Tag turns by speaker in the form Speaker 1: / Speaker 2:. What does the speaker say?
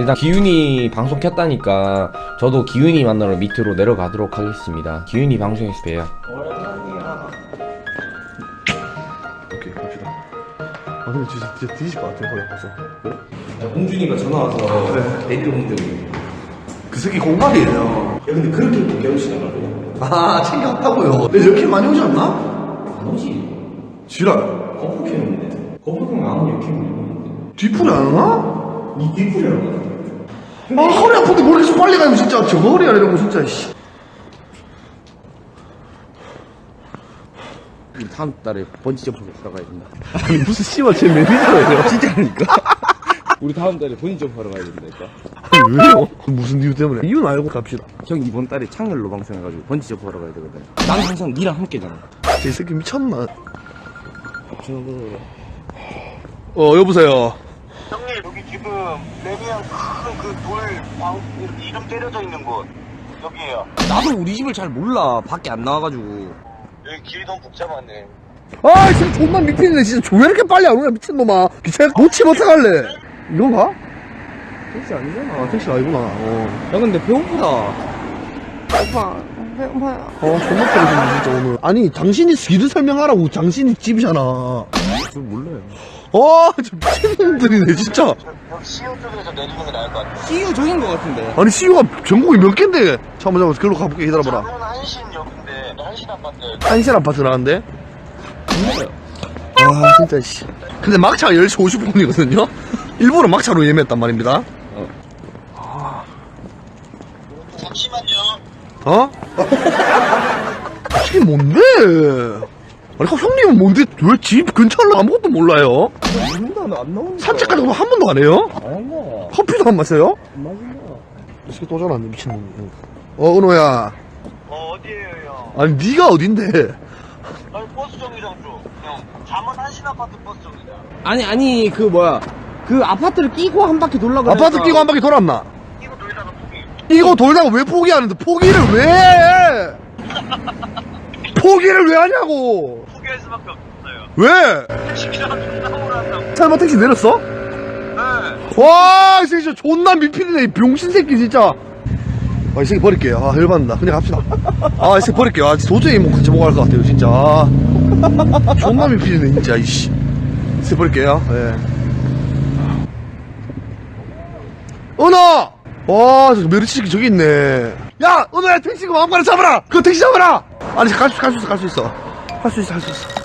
Speaker 1: 일단 기훈이 방송 켰다니까 저도 기훈이 만나러 밑으로 내려가도록 하겠습니다. 기훈이 방송에서 봬요.
Speaker 2: 오케이 갑시다. 아 근데 진짜 뒤질 것 같아 거기 가서. 그래?
Speaker 1: 홍준이가 전화 와서 데이트 온 적이.
Speaker 2: 그 새끼 공갈이에요.
Speaker 1: 야 근데 그렇게 못 깨우시더라고.
Speaker 2: 아 챙겨왔다고요. 근데 이렇게 많이 오지 않나?
Speaker 1: 안 오지.
Speaker 2: 지랄.
Speaker 1: 거푸 캐는데. 거푸 캐면 아무 일 캐면
Speaker 2: 뒤풀이 안 오나?
Speaker 1: 니 뒷풀이라고.
Speaker 2: 아 허리 아픈데 뭘 계속 빨리 가면 진짜 저거 허리 아니라고 진짜 씨.
Speaker 1: 우리 다음 달에 번지점프로 들어가야 된다.
Speaker 2: 아니 무슨 씨발 제 매니저예요.
Speaker 1: 진짜니까? 우리 다음 달에 번지점프 하러 가야 된다니까.
Speaker 2: 아니 왜요? 무슨 이유 때문에? 이유는 알고 갑시다.
Speaker 1: 형 이번 달에 창렬로 방송해가지고 번지점프 하러 가야 되거든. 난 항상 니랑 함께잖아.
Speaker 2: 제 새끼 미쳤나? 여보세요.
Speaker 3: 형님 여기 지금 레미안 큰그돌 이름 때려져 있는 곳 여기에요.
Speaker 1: 나도 우리 집을 잘 몰라. 밖에 안 나와가지고.
Speaker 3: 여기 길이 너무 복잡하네.
Speaker 2: 아 진짜 존나 미친네 진짜. 왜 이렇게 빨리 안 오냐 미친놈아. 기차 놓치면 어떡할래? 이건 가?
Speaker 1: 택시 아니잖아.
Speaker 2: 아 택시 아니구나.
Speaker 1: 야 근데 배고프다. 오빠 배고파요.
Speaker 2: 존나 떨어지네 진짜 오늘. 아니 당신이 길을 설명하라고. 당신이 집이잖아.
Speaker 1: 저 몰라요.
Speaker 2: 진짜 미친놈들이네 진짜.
Speaker 3: 여기 시흥 쪽에서 내리는 게 나을 것 같아.
Speaker 1: CU 저긴 것 같은데.
Speaker 2: 아니 CU가 전국에 몇 갠데. 잠깐만 글로 가볼게. 기다려봐라.
Speaker 3: 장문 한신역인데 한신 아파트.
Speaker 2: 한실 아파트 나는데. 아 진짜 씨. 근데 막차가 10시 50분이거든요. 일부러 막차로 예매했단 말입니다.
Speaker 3: 잠시만요.
Speaker 2: 이게 뭔데? 아니 형님은 뭔데? 왜 집 근처로 아무것도 몰라요?
Speaker 1: 모른다. 안 나오니까.
Speaker 2: 산책까지 한 번도 안 해요?
Speaker 1: 안 나.
Speaker 2: 커피도 안 마셔요?
Speaker 1: 안 마신다.
Speaker 2: 이 새끼 또 전화왔네 미친놈. 은호야.
Speaker 3: 어디에요 형?
Speaker 2: 아니 네가 어딘데?
Speaker 3: 아니 버스 정류장 쪽. 형 잠원 한신 아파트 버스 정류장.
Speaker 1: 아니 그 뭐야. 그 아파트를 끼고 한 바퀴 돌라 그러니까.
Speaker 2: 아파트 끼고 한 바퀴 돌았나?
Speaker 3: 이거 돌다가 포기.
Speaker 2: 이거 돌다가 왜 포기하는데? 포기를 왜 해? 포기를 왜 하냐고?
Speaker 3: 포기할 수밖에 없었어요.
Speaker 2: 왜?
Speaker 3: 택시기사가 존나 오란다고.
Speaker 2: 설마 택시 내렸어?
Speaker 3: 네.
Speaker 2: 와, 이 새끼 진짜 존나 미필이네, 이 병신 새끼 진짜. 이 새끼 버릴게요. 열받는다. 그냥 갑시다. 이 새끼 버릴게요. 도저히 뭐 같이 못 갈 것 같아요, 진짜. 존나 미필이네, 진짜, 이씨. 이 새끼 버릴게요. 예. 은호! 와, 저 메르치 새끼 저기 있네. 야, 은호야, 택시 그 마음가루 잡아라! 그 택시 잡아라! 아니, 갈 수 있어. 할 수 있어.